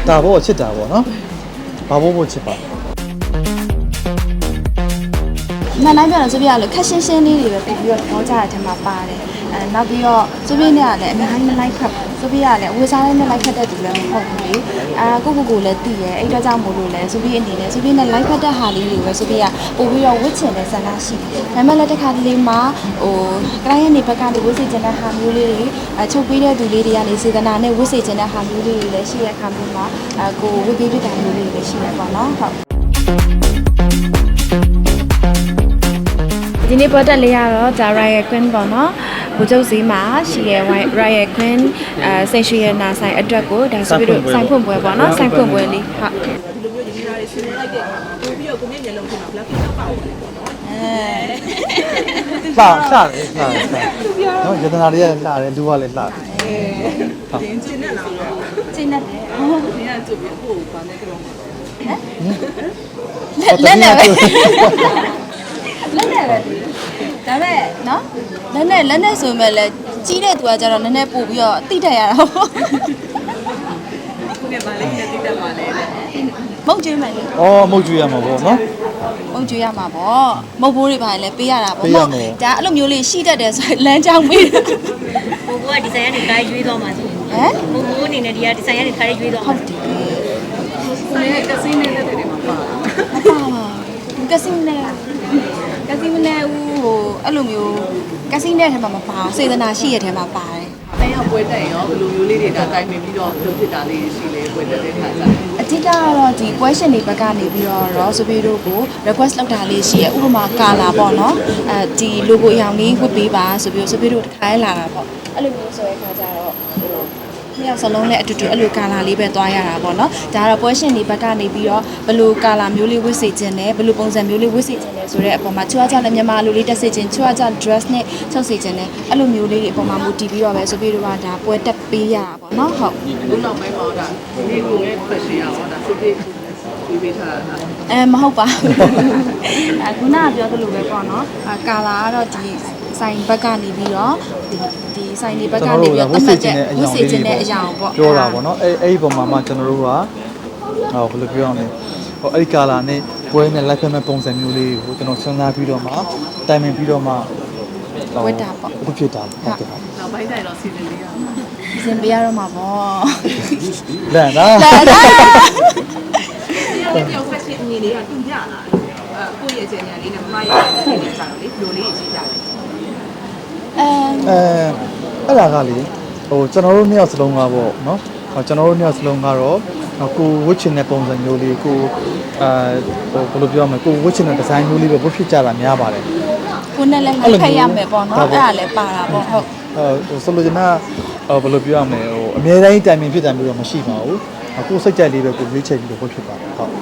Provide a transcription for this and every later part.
ဒါဘောချစ်တာပေါ့နော်ဘာဘောချစ်ပါမှန်တိုင်းပြောလို့ဆိုပြရလို့ခက်ရှင်းရှင်းလေးတွေပဲပြီးတော့ပြောကြတဲ့အထက်မှာပါတယ်နောက်ပြီးတော့ဆိုပြနဲ့ကလည်းအများကြီးလိုက်ခတ်ဆိုပြရလည်းဝေစားလေးနဲ့လိုက်ခတ်တဲ့သူလည်းမဟုတ်ဘူးလေကိုလည်းသိရဲအဲ့တော့ကြောင့်မို့လို့လဲဆိုပြအနေနဲ့ဆိုပြနဲ့လိုက်ခတ်တဲ့ဟာလေးတွေပဲဆိုပြရပို့ပြီးတော့ဝစ်ချင်တဲ့ဆန္ဒရှိတယ်ဒါပေမဲ့လည်းတစ်ခါတလေမှာကတိုင်းရဲ့နေဘက်ကနေဝစ်စေချင်တဲ့ဟာမျိုးလေးတွေချုပ်ပေးတဲ့သူလေးတွေကနေစေတနာနဲ့ဝစ်စေချင်တဲ့ဟာမျိုးလေးတွေလည်းရှိတဲ့အခါမျိုးမှာကိုဝစ်ပေးပြတာမျိုးလေးတွေလည်းရှိရပါတော့ဟုတ်ဒီနေ့ပေါ်တက်လေးရတော့ဒါ Riot Queen ပေါ့နော်ဘူကျုပ်စီမှာရှိရဲ့ Riot Queen စိတ်ရှိရဲ့နာဆိုင်အတွက်ကိုဒါဆိုပြီးတော့ဆိုင်ဖွင့်ပွဲပေါ့နော်ဆိုင်ဖွင့်ပွဲလေးဟုတ်ဒီလိုမျိုးညီမတွေဆွေးနွေးလိုက်တဲ့ပို့ပြီးတော့ကိုမြင့်မျက်လုံးထဲမှာ black pink တော့ပါအောင်ပေါ့နော်လှတယ်နော်ယတနာတွေကလှတယ်လူကလည်းလှတယ်တင်းကျင်းနဲ့လားကျင်းနဲ့တယ်ဒီကကြုတ်ပြီးကိုဘာနဲ့ကြောင်းဟမ်လက်နဲ့ပဲလက်နဲ့ပဲဒါမဲ့နော်လက်နဲ့ဆိုမဲ့လဲကြီးတဲ့သူကကျတော့နည်းနည်းပို့ပြီးတော့တိတက်ရတာပေါ့ခုကဘာလဲနဲ့တိတက်ပါလဲမုတ်ကျွေးမယ်လေမုတ်ကျွေးရမှာပေါ့နော်မုတ်ကျွေးရမှာပေါ့မုတ်ဘိုးတွေပါလဲပေးရတာပေါ့ဒါအဲ့လိုမျိုးလေးရှိတတ်တယ်ဆိုရင်လမ်းကြောင်းပေးတယ်မုတ်ဘိုးကဒီဇိုင်းကနေခိုင်းရွေးသွားမှာဆိုမုတ်ဘိုးအနေနဲ့ဒီကဒီဇိုင်းကနေခိုင်းရွေးသွားမှာဟုတ်တယ်ဆိုင်ကစီးနေတဲ့တွေမှာပါကစီးနဲ့ဦးဟိုအဲ့လိုမျိုးကစီးနဲ့ထဲမှာမပါအောင်စေတနာရှိရထဲမှာပါတယ်။အဲရောက်ပွဲတက်ရင်ရောဘယ်လိုမျိုးလေးတွေတိုင်ပင်ပြီးတော့လုပ်ဖြစ်တာလေးရှိလေပွဲတက်တဲ့ခါကျအဓိကကတော့ဒီပွဲရှင်တွေဘက်ကနေပြီးတော့ဆိုပြီးတို့ကို request လုပ်တာလေးရှိရဥပမာကာလာပေါ့နော်ဒီ logo အရောင်လေးဝတ်ပေးပါဆိုပြီးတို့တစ်ခါလာတာပေါ့အဲ့လိုမျိုးဆိုတဲ့ခါကျတော့နှစ်ယောက်စလုံးလည်းအတူတူအဲ့လိုကာလာလေးပဲသွားရတာပေါ့နော်ဒါကတော့ပွဲရှင်တွေဘက်ကနေပြီးတော့ဘယ်လိုကာလာမျိုးလေးဝတ်စေခြင်းနဲ့ဘယ်လိုပုံစံမျိုးလေးဝတ်စေခြင်းလဲဆိုတဲ့အပေါ်မှာချွားကြလည်းမြန်မာလူလေးတက်စေခြင်းချွားကြ dress နဲ့ချုပ်စေခြင်းနဲ့အဲ့လိုမျိုးလေးတွေအပေါ်မှာမူတည်ပြီးတော့ပဲဆိုပြီးတော့ဒါပွဲတက်ပေးရတာပေါ့နော်ဟုတ်ဒီနောက်ပိုင်းမှာဒါဒီကိုလည်းဖက်ရှင်ရပါဒါစစ်စစ်ဒီပေးထားတာမဟုတ်ပါဘူးခုနကပြောသလိုပဲပေါ့နော်ကာလာကတော့ဒီဆိုင်ဘက်ကနေပြီးတော့ဒီဆိုင်တွေဘက်ကနေပြီးတော့အမှတ်ချက်ဝတ်စေခြင်းတဲ့အရာပေါ့ပြောတာပေါ့နော်အဲ့ဒီပုံမှာမှကျွန်တော်တို့ကဘယ်လိုပြောအောင်လဲအဲ့ဒီကာလာနဲ့ပွဲနဲ့လိုက်ဖက်မဲ့ပုံစံမျိုးလေးကိုကျွန်တော်စဉ်းစားပြီးတော့မှတိုင်ပင်ပြီးတော့မှဝတ်တာပေါ့အခုဖြစ်တာဟုတ်ကဲ့နောက်ပိုင်းတိုင်းတော့စီစဉ်လေးရအောင်စီစဉ်ပေးရတော့မှာပေါ့လန်လားဒီပြောက်ဖက်ရှင်အမြင်လေးကတူကြလာကိုယ့်ရဲ့အခြေအနေလေးနဲ့မမရဲ့အခြေအနေကြတော့လေဘယ်လိုလေးရှိကြလဲအဲ့ဒါကလေကျွန်တော်တို့နှစ်ယောက်စလုံးကပေါ့နော်ကျွန်တော်တို့နှစ်ယောက်စလုံးကတော့ကိုဝစ်ချင်တဲ့ပုံစံမျိုးလေးကိုဘယ်လိုပြောမလဲကိုဝစ်ချင်တဲ့ဒီဇိုင်းမျိုးလေးပဲဝတ်ဖြစ်ကြတာများပါတယ်ကိုနဲ့လည်းဖက်ရမယ်ပေါ့နော်အဲ့ဒါလည်းပါတာပေါ့ဟုတ်ဆိုလိုချင်တာဘယ်လိုပြောရမလဲအများတိုင်းတိုင်ပင်ဖြစ်တယ်မျိုးတော့မရှိပါဘူးကိုစိတ်ကြိုက်လေးပဲကိုရွေးချယ်ပြီးတော့ဝတ်ဖြစ်ပါတယ်ဟုတ်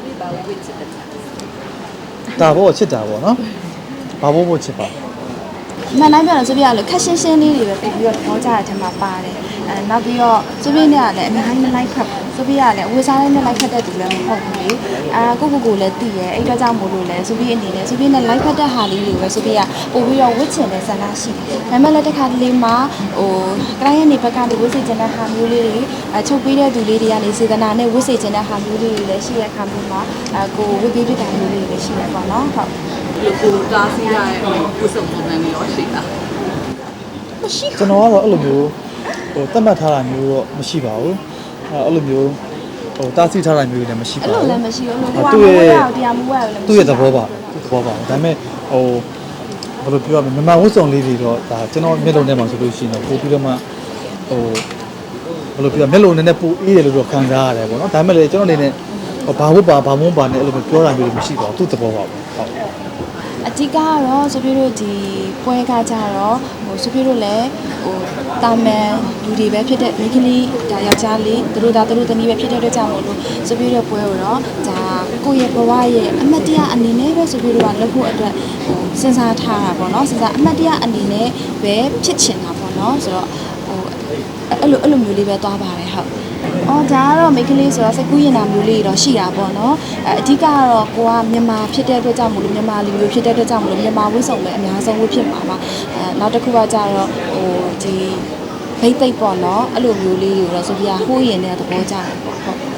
ဒါဘောချစ်တာပေါ့နော်ဘာဘောချစ်ပါမှန်တိုင်းပြောလို့ဆိုပြရလို့ခက်ရှင်းရှင်းလေးတွေပဲပြီးတော့ပြောကြတဲ့အထက်မှာပါတယ်နောက်ပြီးတော့ဆိုပြနဲ့ကလည်းအများကြီးလိုက်ခတ်ဆိုပြရလည်းဝေစားလေးနဲ့လိုက်ခတ်တဲ့သူလည်းမဟုတ်ဘူးလေကိုလည်းသိရဲအဲ့တော့ကြောင့်မို့လို့လဲဆိုပြအနေနဲ့ဆိုပြနဲ့လိုက်ခတ်တဲ့ဟာလေးတွေပဲဆိုပြရပို့ပြီးတော့ဝစ်ချင်တဲ့ဆန္ဒရှိတယ်ဒါပေမဲ့လည်းတစ်ခါတလေမှာကတိုင်းရဲ့နေဘက်ကနေဝစ်စေချင်တဲ့ဟာမျိုးလေးတွေချုပ်ပေးတဲ့သူလေးတွေကနေစေတနာနဲ့ဝစ်စေချင်တဲ့ဟာမျိုးလေးတွေလည်းရှိတဲ့အခါမျိုးမှာကိုဝစ်ပေးပြတာမျိုးလေးတွေလည်းရှိရပါတော့ဟုတ်ကိုတားစီးရတဲ့ကိုစုံပုံစံမျိုးရောရှိတာမရှိကျွန်တော်ကတော့အဲ့လိုမျိုးသတ်မှတ်ထားတာမျိုးတော့မရှိပါဘူးအဲ့လိုမျိုးတားဆီးထားတာမျိုးလည်းမရှိပါဘူးအဲ့လိုလည်းမရှိဘူးလို့ဟိုကမွေးရတရားမွေးရလည်းသူ့ရဲ့သဘောပါဒါပေမဲ့ဘယ်လိုပြောရမလဲမြန်မာဝတ်စုံလေးတွေတော့ဒါကျွန်တော်မျက်လုံးထဲမှာဆိုလို့ရှိရင်တော့ပို့ပြီးတော့မှဘယ်လိုပြောမျက်လုံးနဲ့ပို့အေးတယ်လို့တော့ခံစားရတယ်ပေါ့နော်ဒါပေမဲ့လည်းကျွန်တော်အနေနဲ့ဘာဝတ်ပါဘာမုန်းပါနဲ့အဲ့လိုမျိုးပြောတာမျိုးမရှိပါဘူးသူ့သဘောပါပဲဟုတ်အဓိကကတော့ဆိုပြတို့ဒီပွဲကကြတော့ဆိုပြတို့လည်းတာမန်လူတွေပဲဖြစ်တဲ့မိန်းကလေးဒါယောက်ျားလေးသူတို့သမီးပဲဖြစ်တဲ့အတွက်ကြောင့်မို့လို့ဆိုပြတို့ပွဲကိုတော့ဒါကိုယ့်ရဲ့ဘဝရဲ့အမတ်တရားအနေနဲ့ပဲဆိုပြတို့ကလုပ်ဖို့အတွက်စဉ်းစားထားတာပေါ့နော်စဉ်းစားအမတ်တရားအနေနဲ့ပဲဖြစ်ချင်တာပေါ့နော်ဆိုတော့အဲ့လိုမျိုးလေးပဲသွားပါတယ်ဟုတ်ဒါကတော့မိန်းကလေးဆိုတော့စိတ်ကူးရင်တာမျိုးလေးတော့ရှိတာပေါ့နော်အဓိကကတော့ကိုကမြန်မာဖြစ်တဲ့အတွက်ကြောင့်မို့လို့မြန်မာလူမျိုးဖြစ်တဲ့အတွက်ကြောင့်မို့လို့မြန်မာဝတ်စုံပဲအများဆုံးဝတ်ဖြစ်မှာပါနောက်တစ်ခုကကြတော့ဒီဘိတ်သိပ်ပေါ့နော်အဲ့လိုမျိုးလေးတွေတော့ဆိုပြဟိုးရင်တဲ့သဘောကြတယ်ပေါ့ဟုတ်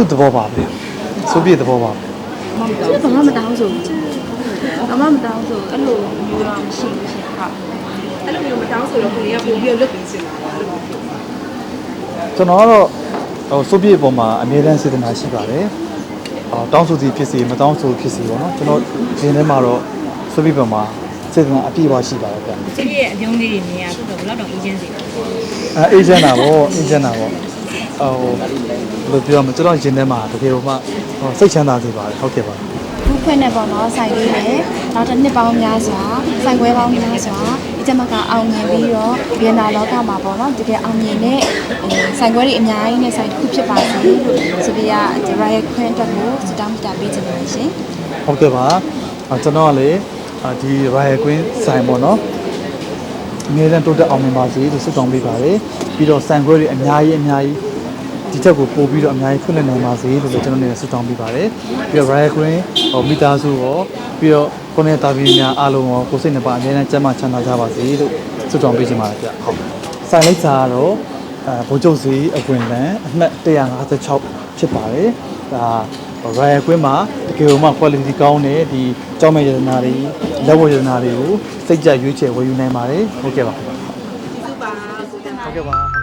သူ့သဘောပါပဲဆိုပြည့်သဘောပါပဲကျတော့ဘာမှမတောင်းဆိုဘူးဘာမှမတောင်းဆိုအဲ့လိုမျိုးတော့မရှိဘူးရှင်ဟုတ်အဲ့လိုမျိုးမတောင်းဆိုတော့ကိုလေးကပို့ပြီးလွတ်ပြီးစင်တာပါလို့ကျွန်တော်ကတော့ဟိုဆိုပြည့်အပေါ်မှာအမြဲတမ်းစေတနာရှိပါတယ်တောင်းဆိုသည်ဖြစ်စီမတောင်းဆိုဖြစ်စီပေါ့နော်ကျွန်တော်ဒီထဲမှာတော့ဆိုပြည့်ပေါ်မှာစေတနာအပြည့်အဝရှိပါတယ်ဗျသူရဲ့အပြုံးလေးတွေမြင်ရဆိုတော့ဘယ်တော့အေဂျင့်စီအေဂျင့်တာပေါ့အေဂျင့်တာပေါ့ဟိုဘယ်လိုပြောမလဲကျွန်တော်ရင်ထဲမှာတကယ်လို့မှစိတ်ချမ်းသာစေပါတယ်ဟုတ်ကဲ့ပါခုဖွင့်နေပေါ့နော်ဆိုင်လေးနဲ့နောက်တစ်နှစ်ပေါင်းများစွာဆိုင်ခွဲပေါင်းများစွာဒီကျမကအောင်မြင်ပြီးတော့ဗီယက်နာလောကမှာပေါ့နော်တကယ်အောင်မြင်တဲ့ဆိုင်ခွဲတွေအများကြီးနဲ့ဆိုင်တစ်ခုဖြစ်ပါစေလို့ဆိုပြီးရဒီ Riot Queen အတွက်ကိုစတောင်းပြပေးချင်ပါတယ်ရှင်ဟုတ်ကဲ့ပါကျွန်တော်ကလေဒီ Riot Queen ဆိုင်ပေါ့နော်အမြဲတမ်းတိုးတက်အောင်မြင်ပါစေလို့ဆုတောင်းပေးပါတယ်ပြီးတော့ဆိုင်ခွဲတွေအများကြီးဒီချက်ကိုပို့ပြီးတော့အများကြီးဖွင့်လှစ်နိုင်ပါစေလို့လည်းကျွန်တော်နေဆုတောင်းပေးပါတယ်ပြီးတော့ Riot Queen မိသားစုရောပြီးတော့ကိုနေတာဗီများအားလုံးရောကိုစိတ်နှစ်ပါအမြဲတမ်းကျန်းမာချမ်းသာကြပါစေလို့ဆုတောင်းပေးချင်ပါတယ်ဗျဟုတ်ဆိုင်လိပ်စာကတော့ဘိုးချုပ်စီအကွင်လန်အမှတ်156ဖြစ်ပါတယ်ဒါ Riot Queen မှာတကယ်လို့မှ quality ကောင်းတဲ့ဒီကြောင်းမဲ့ရတနာတွေလက်ဝတ်ရတနာတွေကိုစိတ်ကြရွေးချယ်ဝယ်ယူနိုင်ပါတယ်ဟုတ်ကဲ့ပါဒီစုပါဆိုတဲ့ဟုတ်ကဲ့ပါ